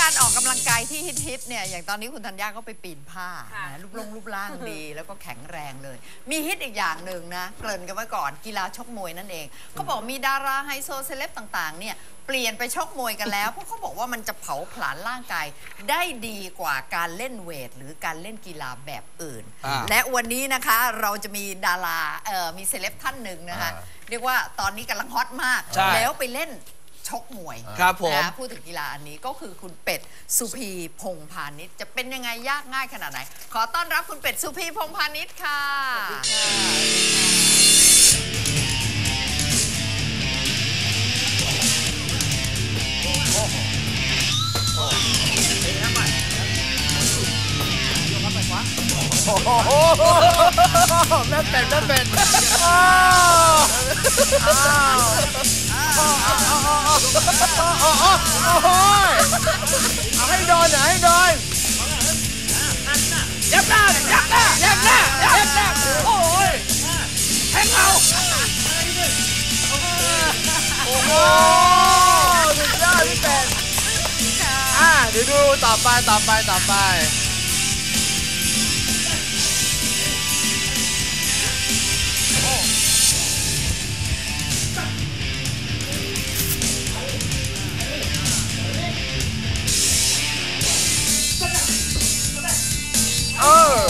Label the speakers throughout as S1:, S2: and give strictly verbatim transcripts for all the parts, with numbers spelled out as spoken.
S1: การออกกำลังกายที่ฮิตๆเนี่ยอย่างตอนนี้คุณธัญญาก็ไปปีนผ้านะรูปร่างรูปร่างดีแล้วก็แข็งแรงเลยมีฮิตอีกอย่างหนึ่งนะเกริ่นกันไว้ก่อนกีฬาชกมวยนั่นเองเขาบอกมีดาราไฮโซเซเลบต่างๆเนี่ยเปลี่ยนไปชกมวยกันแล้วเพราะเขาบอกว่ามันจะเผาผลาญร่างกายได้ดีกว่าการเล่นเวทหรือการเล่นกีฬาแบบอื่นและวันนี้นะคะเราจะมีดาราเอ่อมีเซเลบท่านหนึ่งนะคะเรียกว่าตอนนี้กำลังฮอตมากแล้วไปเล่นชกมวยครับผมนะพูดถึงกีฬาอันนี้ก็คือคุณเป็ดสุพีพงษ์พาณิชย์จะเป็นยังไงยากง่ายขนาดไหนขอต้อนรับคุณเป็ดสุพีพงษ์พาณิชย์ค่ะ
S2: โอ้โหแม่เป็ดแม่เป็ดอ้าวอ้าวเอาให้โดนหน่อยให้โดนยับหน้ายับหน้ายับหน้ายับหน้าโอ้ยแทงเอาโอ้โหสุดยอดพี่เป็ดอ่าเดี๋ยวดูต่อไปต่อไปต่อไปเออ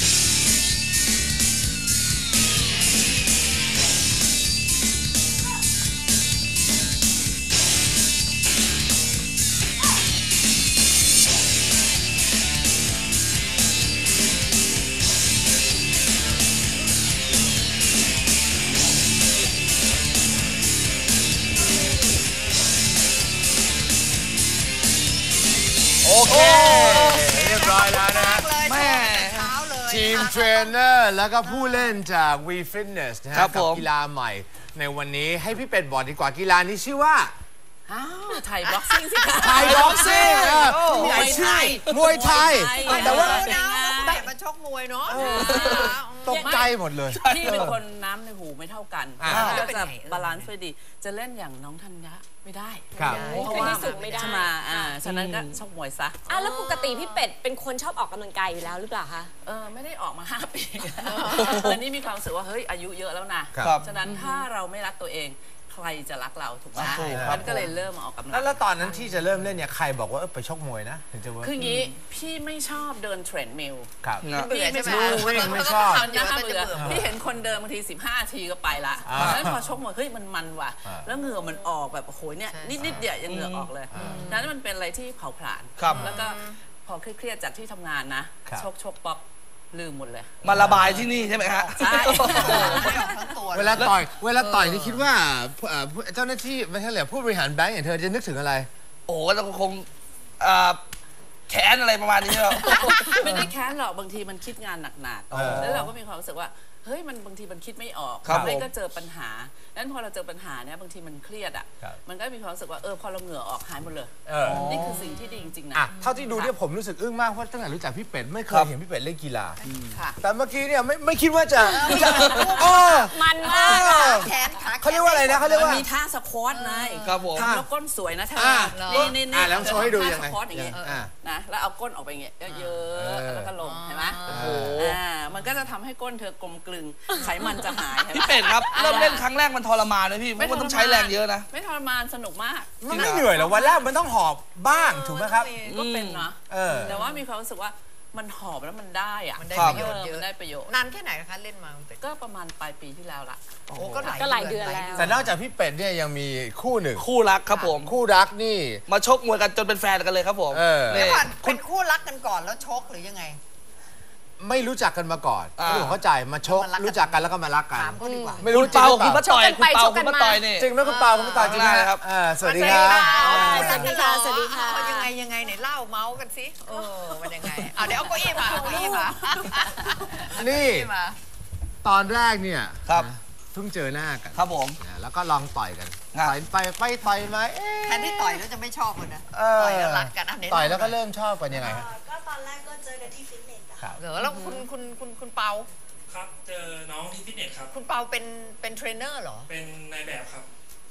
S2: โอเคเรียบร้อยแล้วนะแม่ทีมเทรนเนอร์แล้วก็ผู้เล่นจาก วี Fitness นะฮะกับกีฬาใหม่ในวันนี้ให้พี่เป็ดบอกดีกว่ากีฬานี้ชื่อว่า
S3: อ้าวไทยบ็อกซิ่งสิคะ
S2: ไทยบ็อกซิ่งมวยไทยมวยไทยแต่ว่า
S1: ได้มาชกมวยเนาะ
S2: ตกใจหมดเลย
S3: พี่เป็นคนน้ำในหูไม่เท่ากันก็จะบาลานซ์ดีจะเล่นอย่างน้องธัญญาไม่ได้
S4: เพราะว่าสูงไม่ได้
S3: ใช่ไหมอ่าฉะนั้นก็ชกมวยซะ
S4: อ่ะแล้วปกติพี่เป็ดเป็นคนชอบออกกำลังกายอยู่แล้วหรือเปล่าคะ
S3: เออไม่ได้ออกมาห้าปีแต่นี่มีความรู้สึกว่าเฮ้ยอายุเยอะแล้วนะฉะนั้นถ้าเราไม่รักตัวเองใครจะรักเราถูกไหมมันก็เลยเริ่มออกกำลัง
S2: แล้วตอนนั้นที่จะเริ่มเล่นเนี่ยใครบอกว่าไปชกมวยนะถึงจะว่า
S3: คืออย่างนี้พี่ไม่ชอบเดินเทรนด์มิล
S2: ครับ
S3: พี่ไม่ชอบ
S2: ไม่ชอบ
S3: เยอะเบื่อพี่เห็นคนเดินบางทีสิบห้าทีก็ไปละแล้วพอชกมวยเฮ้ยมันมันว่ะแล้วเหงื่อมันออกแบบโอ้โหเนี่ยนิดนิดเดียวยังเหงื่อออกเลยนั้นมันเป็นอะไรที่เผาผลาญแล้วก็พอเครียดจากที่ทำงานนะชกชกป๊อปลืมหมดเลย
S5: มาระบายที่นี่ใช่ไหมฮะ
S3: ใช่
S2: เวลาต่อยเวลาต่อยนี่คิดว่าเจ้าหน้าที่ไม่ใช่เหรอผู้บริหารแบงก์อย่างเธอจะนึกถึงอะไร
S5: โอ้ก็คงแค้นอะไรประมาณนี้หรอ
S3: ไม่ได้แค้นหรอกบางทีมันคิดงานหนักๆแล้วเราก็มีความรู้สึกว่าเฮ้ยมันบางทีมันคิดไม่ออกไม่ก็เจอปัญหานั้นพอเราเจอปัญหาเนี่ยบางทีมันเครียดอ่ะมันก็มีความรู้สึกว่าเออพอเราเหงื่อออกหายหมดเลยนี่คือสิ่งที่ดีจริงๆนะ
S2: เท่าที่ดูเนี่ยผมรู้สึกอึ้งมากเพราะตั้งแต่รู้จักพี่เป็ดไม่เคยเห็นพี่เป็ดเล่นกีฬาแต่เมื่อกี้เนี่ยไม่ไม่คิดว่าจะ
S4: มันมาก
S1: แขนขา
S2: เขาเรียกว่าอะไรนะเขาเรียกว่า
S3: มีท่าสควอตไง
S5: ครับผม
S3: แล้วก้นสวยนะเธอนี่นี่นี่
S2: แล้วโชว์ให้ดูยังไง
S3: สควอตอย่างเงี้ยนะแล้วเอาก้นออกไปอย่างเงี้ยเยอะๆแล้วก็ลงเห็นไหมโอ้โหมันก็จะทำให้ก้นเธอกลมกลึงไขมันจะหาย
S5: พี่เป็ดครับเริ่มเล่นครั้งแรกมันทรมานเลยพี่เพราะมันต้องใช้แรงเยอะนะ
S3: ไม่ทรมานสนุกมาก
S2: มันไม่เหนื่อยหรอวันแรกมันต้องหอบบ้างถูกไหมครับ
S3: ก็เป็นนะแต่ว่ามีความรู้สึกว่ามันหอบแล้วมันได้อะ
S1: มันได้ประโยชน์เยอะ
S3: ได้ประโยชน์
S1: นานแค่ไหนคะเล่นมา
S3: ก็ประมาณปลายปีที่แล้วละ
S1: โอ้ก็
S4: หลายเดือนแล้ว
S2: แต่นอกจากพี่เป็ดเนี่ยยังมีคู่หนึ่ง
S5: คู่รักครับผม
S2: คู่รักนี่
S5: มาชกมวยกันจนเป็นแฟนกันเลยครับผม
S1: เป็นคู่รักกันก่อนแล้วชกหรือยังไง
S2: ไม่รู้จักกันมาก่อนไม่เข้าใจมาชกรู้จักกันแล้วก็มารักกัน
S5: ไม่รู้จริงคุณป้าต่อยคุณเปาคุณป้าต่อยนี่
S2: จริงไหมคุณเปาคุณป้าต่อยจริงนะครับสวัสดีครับ
S4: สวัสดีค่ะสวัสดีค่ะ
S1: ยังไงยังไงไหนเล่าเมาส์กันสิเออมันยังไงเอาเดี๋ยวเอาเก้าอี้มาเอาเก้าอี้มา
S2: นี่ตอนแรกเนี่ย
S5: ครับ
S2: เพิ่งเจอหน้ากัน
S5: ครับผม
S2: แล้วก็ลองต่อยกันต่อยไปไปต่อยมา
S1: แทนที่ต่อยแล้วจะไม่ชอบคนนะต่อยแล้วรักกัน
S2: ต่อยแล้วก็เริ่มชอบกันยังไง
S6: ก็ตอนแรกก็เจอกันที่ฟิตเนส
S1: เหรอแล้วคุณคุณคุณคุณเปา
S7: ครับเจอน้องที่ฟิตเนสครับ
S1: คุณเปาเป็นเป็นเทรนเนอร์เหรอ
S7: เป็นนายแบบครับ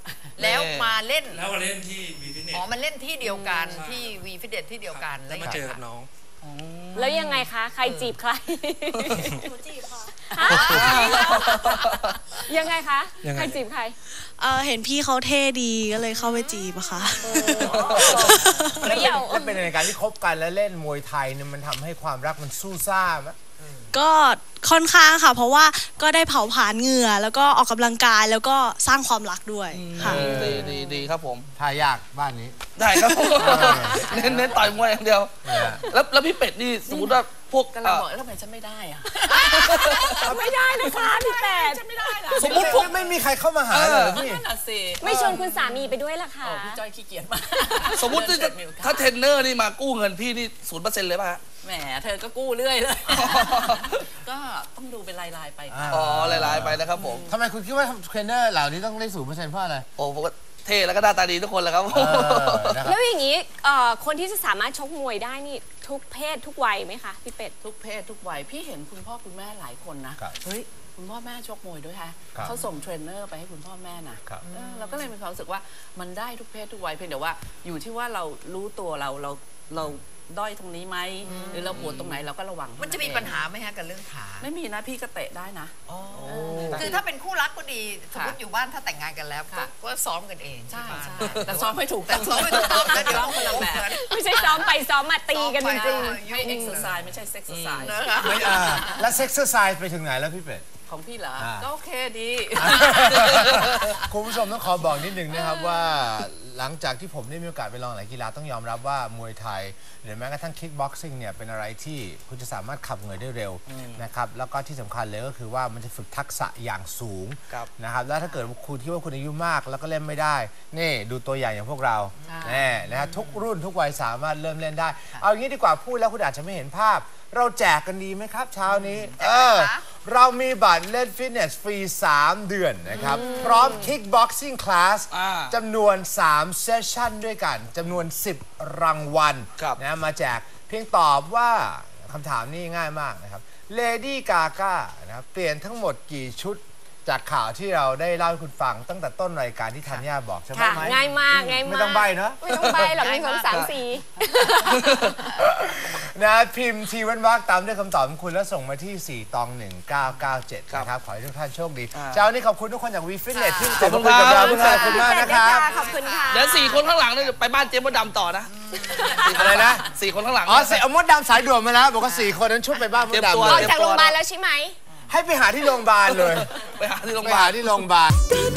S1: แล้วมาเล่น
S7: แล้วมาเล่นที่วีฟิตเนส
S1: อ๋อมันเล่นที่เดียวกันที่วีฟิตเนสที่เดียวกัน
S7: แล้วมาเจอกับน้อง
S4: แล้วยังไงคะ ใครจีบใคร
S6: หนูจีบค่ะ
S4: ฮะยังไงคะ ใครจีบใคร
S6: เออเห็นพี่เขาเท่ดีก็เลยเข้าไปจีบอะค่ะ
S4: เปรี้ยว
S2: ถ้าเป็นในการที่คบกันแล้วเล่นมวยไทยเนี่ยมันทำให้ความรักมันสู้ซ่าไหม
S6: ก็ค่อนข้างค่ะ เพราะว่าก็ได้เผาผลาญเหงื่อแล้วก็ออกกำลังกายแล้วก็สร้างความรักด้วยค่ะ
S5: ดีดีดีครับผม
S2: ทายากบ้านนี้
S5: ได้ครับผมเน้นเน้นต่อยมวยอย่างเดียว
S2: เนี่ย
S5: แล้วแล้วพี่เป็ดนี่สมมติว่าพวก
S3: กำลัง
S5: เอ่อ
S3: บอกแล้วทำไมฉันไม่ได้อะ
S4: ไม่ได้นะคะพี่แปด
S3: ฉันไม่ได้ล่ะ
S2: สมมติพวกไม่มีใครเข้ามาหาเลยเหรอพี่
S3: นั่นน่ะสิ
S4: ไม่ชวนคุณสามีไปด้วยล่ะค่ะ
S3: โอ้พี่จ้อยขี้เกียจมาก
S5: สมมติที่จะถ้าเทรนเนอร์นี่มากู้เงินพี่นี่ศูนย์เปอร์เซ็นต์เลยป่ะฮะ
S3: แหมเธอก็กู้เรื่อยเลย ก็ต้องดูเป็นรายๆไปค่ะ
S5: อ๋อหลายๆไปนะครับผม
S2: ทำไมคุณคิดว่าเทรนเนอร์เหล่านี้ต้องได้ศูนย์เปอร์เซ็นต์เพราะอะไร
S5: โอ้ผมก็เท่แล้วก็หน้าตาดีทุกคนแหละครับ
S2: เออนะครับ
S4: แล้วอย่างนี้เอ่อคนที่จะสามารถชกมวยได้นี่ทุกเพศทุกวัยไหมคะพี่เป็ด
S3: ทุกเพศทุกวัยพี่เห็นคุณพ่อคุณแม่หลายคนนะครับ เฮ้ยคุณพ่อแม่ชกมวยด้วยฮะ
S2: ครับ
S3: เขาส่งเทรนเนอร์ไปให้คุณพ่อแม่นะครับ เออเราก็เลยมีความรู้สึกว่ามันได้ทุกเพศทุกวัยเพียงแต่ว่าอยู่ที่ว่าเรารู้ตัวเราเราเราด้อยตรงนี้ไหมหรือเราปวดตรงไหนเราก็ระวัง
S1: มันจะมีปัญหาไหมฮะกับเรื่องขา
S3: ไม่มีนะพี่ก็เตะได้นะ
S1: คือถ้าเป็นคู่รักก็ดีสมมติ
S3: ค่ะ
S1: อยู่บ้านถ้าแต่งงานกันแล้วก็
S3: ค่ะ
S1: ก็ซ้อมกันเอง
S3: ใช่
S1: ที่บ้าน
S3: ใช่แต่ซ้อมไม่ถูก
S1: แต่ซ้อมไม่ถูกต้องแล้วเดี๋ยว
S3: ซ้อมคนละแบบ
S4: ไม่ใช่ซ้อมไปซ้อมมาตีกันจริง
S3: ให้เอ็กซ์ไซส์ไม่ใช่เซ็กซ์ไซส์
S1: นะคะ
S2: ไม่อ่าแล้วเซ็กซ์ไซส์ไปถึงไหนแล้วพี่เป็ด
S3: ของพี่เหรอ
S2: อ่า
S3: ก็โอเคดี
S2: คุณผู้ชมต้องขอบอกนิดนึงนะครับว่าหลังจากที่ผมได้มีโอกาสไปลองหลายกีฬาต้องยอมรับว่ามวยไทยหรือแม้กระทั่งคิกบ็อกซิ่งเนี่ยเป็นอะไรที่คุณจะสามารถขับเหงื่อได้เร็วนะครับแล้วก็ที่สำคัญเลยก็คือว่ามันจะฝึกทักษะอย่างสูง
S5: ครับ
S2: นะครับแล้วถ้าเกิดคุณคิดว่าคุณอายุมากแล้วก็เล่นไม่ได้นี่ดูตัวอย่างอย่างพวกเราแน่นะฮะทุกรุ่นทุกวัยสามารถเริ่มเล่นได้ เอาอย่างนี้ดีกว่าพูดแล้วคุณอาจจะไม่เห็นภาพ เราแจกกันดีไหมครับเช้านี้เออเรามีบัตรเล่นฟิตเนสฟรี สาม เดือนนะครับ พร้อม Kickboxing Class
S5: อ่า
S2: จำนวน สาม เซสชั่นด้วยกันจำนวน สิบ รางวัล
S5: ครับ
S2: นะมาแจกเพียงตอบว่าคำถามนี้ง่ายมากนะครับ Lady Gaga นะครับเปลี่ยนทั้งหมดกี่ชุดจากข่าวที่เราได้เล่าให้คุณฟังตั้งแต่ต้นรายการที่ธัญญาบอกใช่ไหม
S4: ๆ ค่ะ
S2: ไหม
S4: ง่ายมากง่ายมาก
S2: ไม่ต้องใบเนอะ
S4: ไม่ต้องใบหรอกหนึ่งสองสามสี่
S2: นะพิมพ์ทีเว้นวรรคตามด้วยคำตอบของคุณแล้วส่งมาที่ สี่ ตอง หนึ่ง เก้า เก้า เจ็ด นะครับ ขอให้ทุกท่านโชคดี
S5: อ่า
S2: เช้านี้ขอบคุณทุกคนจากวีฟิตเนสที่
S5: ขอบคุณ
S2: มาคุยกับ
S5: ครั
S2: เรา
S5: บ
S2: ขอบคุณมากนะครับ
S4: ขอบคุณค่ะ
S5: เดี๋ยวสี่คนข้างหลังเนี่ยไปบ้านเจ๊มดดำต่อนะ
S2: อะไรนะ
S5: สี่คนข้างหลัง
S2: อ๋อเสร็จเอามดดำสายด่วนมาแล้วบอกว่าสี่คนนั้นชุดไปบ้านมด
S5: เตรียมตัว
S2: ดำ
S4: อ
S2: เล
S4: อก
S2: ย
S4: จากโรงพยาบาลแล้วใช่ไหม
S2: ให้ไปหาที่โรงพยาบาลเลย
S5: ไปหาที่โรงพ
S2: ไป
S5: ยาบา
S2: หา
S5: ล
S2: ที่โรงพยาบาล